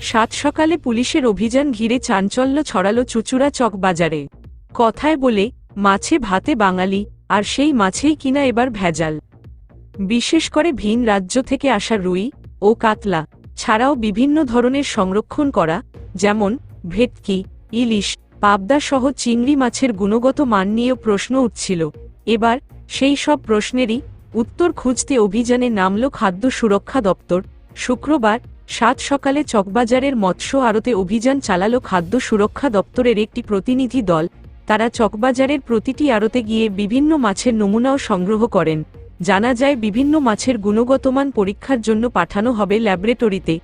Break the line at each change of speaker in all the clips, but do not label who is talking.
সাত সকালে পুলিশের অভিযান ঘিরে চাঞ্চল্য ছড়ালো চুঁচুড়া চক বাজারে। কথায় বলে মাছে ভাতে বাঙালি, আর সেই মাছেই কিনা এবার ভেজাল। বিশেষ করে ভিন রাজ্য থেকে আসা রুই ও কাতলা ছাড়াও বিভিন্ন ধরনের সংরক্ষণ করা, যেমন ভেটকি, ইলিশ, পাবদা সহ চিংড়ি মাছের গুণগত মান নিয়েও প্রশ্ন উঠছিল। এবার সেই সব প্রশ্নেরই উত্তর খুঁজতে অভিযানে নামল খাদ্য সুরক্ষা দপ্তর। শুক্রবার সাত সকালে চকবাজারের মৎস্য আড়তে অভিযান চালালো খাদ্য সুরক্ষা দপ্তরের একটি প্রতিনিধি দল। তারা চকবাজারের প্রতিটি আড়তে গিয়ে বিভিন্ন মাছের নমুনাও সংগ্রহ করেন। জানা যায় বিভিন্ন মাছের গুণগত মান পরীক্ষার জন্য পাঠানো হবে ল্যাবরেটরিতে।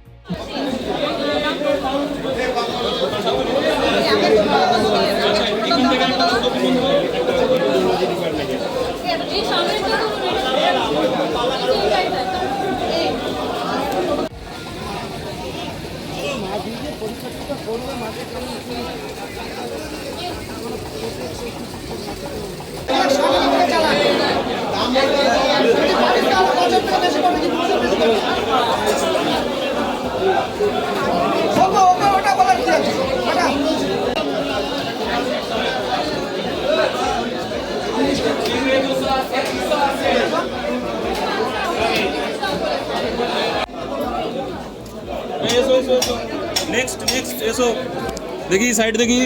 नेक्स्ट ऐसो देखिए साइड देखिए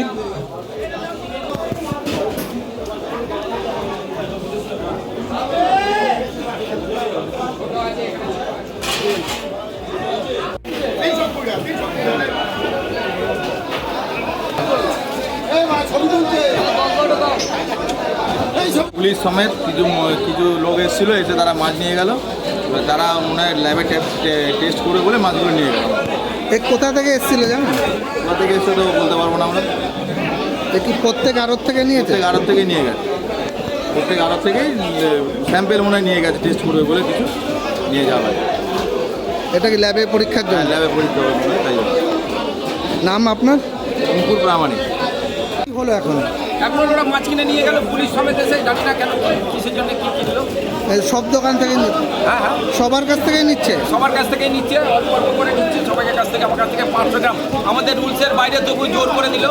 পুলিশ সমেত কিছু লোক এসেছিল, এসে তারা মাছ নিয়ে গেল। তারা ওনার ল্যাবে টেস্ট করে বলে মাছগুলো নিয়ে গেল।
কোথা থেকে এসেছিল জানেন?
কোথা থেকে এসে তো বলতে পারবো না আমরা।
কি প্রত্যেক আড়ত থেকে নিয়েছে?
প্রত্যেক আড়ত থেকে নিয়ে গেছে, প্রত্যেক আড়ত থেকেই স্যাম্পেল মনে হয় নিয়ে গেছে, টেস্ট করবে বলে কিছু নিয়ে যাওয়া হয়।
এটা কি ল্যাবে পরীক্ষার জন্য?
ল্যাবে পরীক্ষা হবে, তাই
নাম আপনার?
অঙ্কুর প্রামাণিক।
কি হলো এখন?
এখন ওরা মাছ কিনে নিয়ে গেল পুলিশ সমেত এসে, জানি না কেন কিসের জন্য কি কিনলো।
সব দোকান থেকে
হ্যাঁ হ্যাঁ,
সবার কাছ থেকেই নিচ্ছে?
সবার কাছ থেকেই নিচ্ছে, অল্প অল্প করে নিচ্ছে সবাইয়ের কাছ থেকে। আমার কাছ থেকে 500 গ্রাম, আমাদের রুলসের বাইরে তবু জোর করে দিল।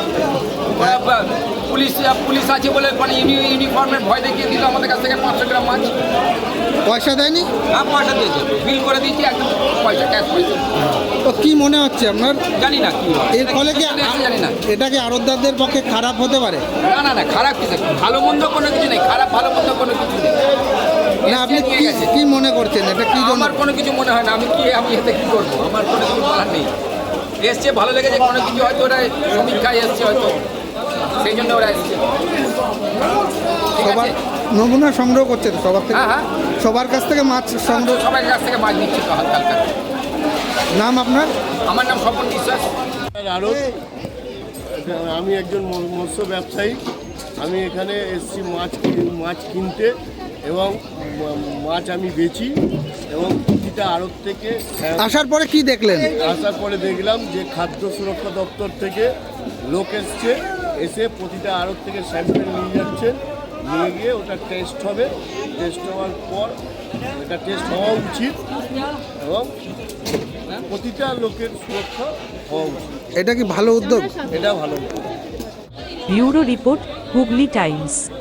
পুলিশ আছে বলে মানে ইউনিফর্মের ভয় দেখিয়ে দিল আমাদের কাছ থেকে 500 গ্রাম মাছ।
পয়সা দেয়নি?
হ্যাঁ পয়সা দিয়েছে, বিল করে দিয়েছি, একদম পয়সা ক্যাশ পয়সা।
তো কি মনে হচ্ছে আপনার?
জানি না কি হয়
এর ফলে কি
জানি না।
এটা কি আড়তদারদের পক্ষে খারাপ হতে পারে?
না না না, খারাপ কিছু, ভালো মন্দ কোনো কিছু নেই, খারাপ ভালো মন্দ কোনো কিছু নেই।
না, আপনি কি মনে করছেন এটা কি জন্য?
আমার কোনো কিছু মনে হয় না। আমি এতে কি করবো, আমার কোনো কিছু বলার নেই। এসছে ভালো লেগেছে, কোনো কিছু হয়তো ওরা সমীক্ষায় এসছে, হয়তো সেই জন্য ওরা এসছে।
সবার নমুনা সংগ্রহ করছে তো সবার থেকে?
হ্যাঁ হ্যাঁ,
সবার কাছ থেকে মাছ সংগ্রহ?
সবার কাছ থেকে মাছ নিচ্ছে তো হালকা হালকা।
নাম আপনার?
আমার নাম স্বপন বিশ্বাস।
আমি একজন মৎস্য ব্যবসায়ী। আমি এখানে এসেছি মাছ কিনতে এবং মাছ আমি বেচি, এবং প্রতিটা আড়ত থেকে
আসার পরে কি দেখলেন?
আসার পরে দেখলাম যে খাদ্য সুরক্ষা দপ্তর থেকে লোক এসে প্রতিটা আড়ত থেকে স্যাম্পেল নিয়ে যাচ্ছে, নিয়ে গিয়ে ওটা টেস্ট হবে। টেস্ট হওয়ার পর এটা টেস্ট হওয়া উচিত এবং প্রতিটা লোকের সুরক্ষা হওয়া উচিত।
এটা কি ভালো উদ্যোগ?
এটা ভালো।
Bureau report, Hooghly Times.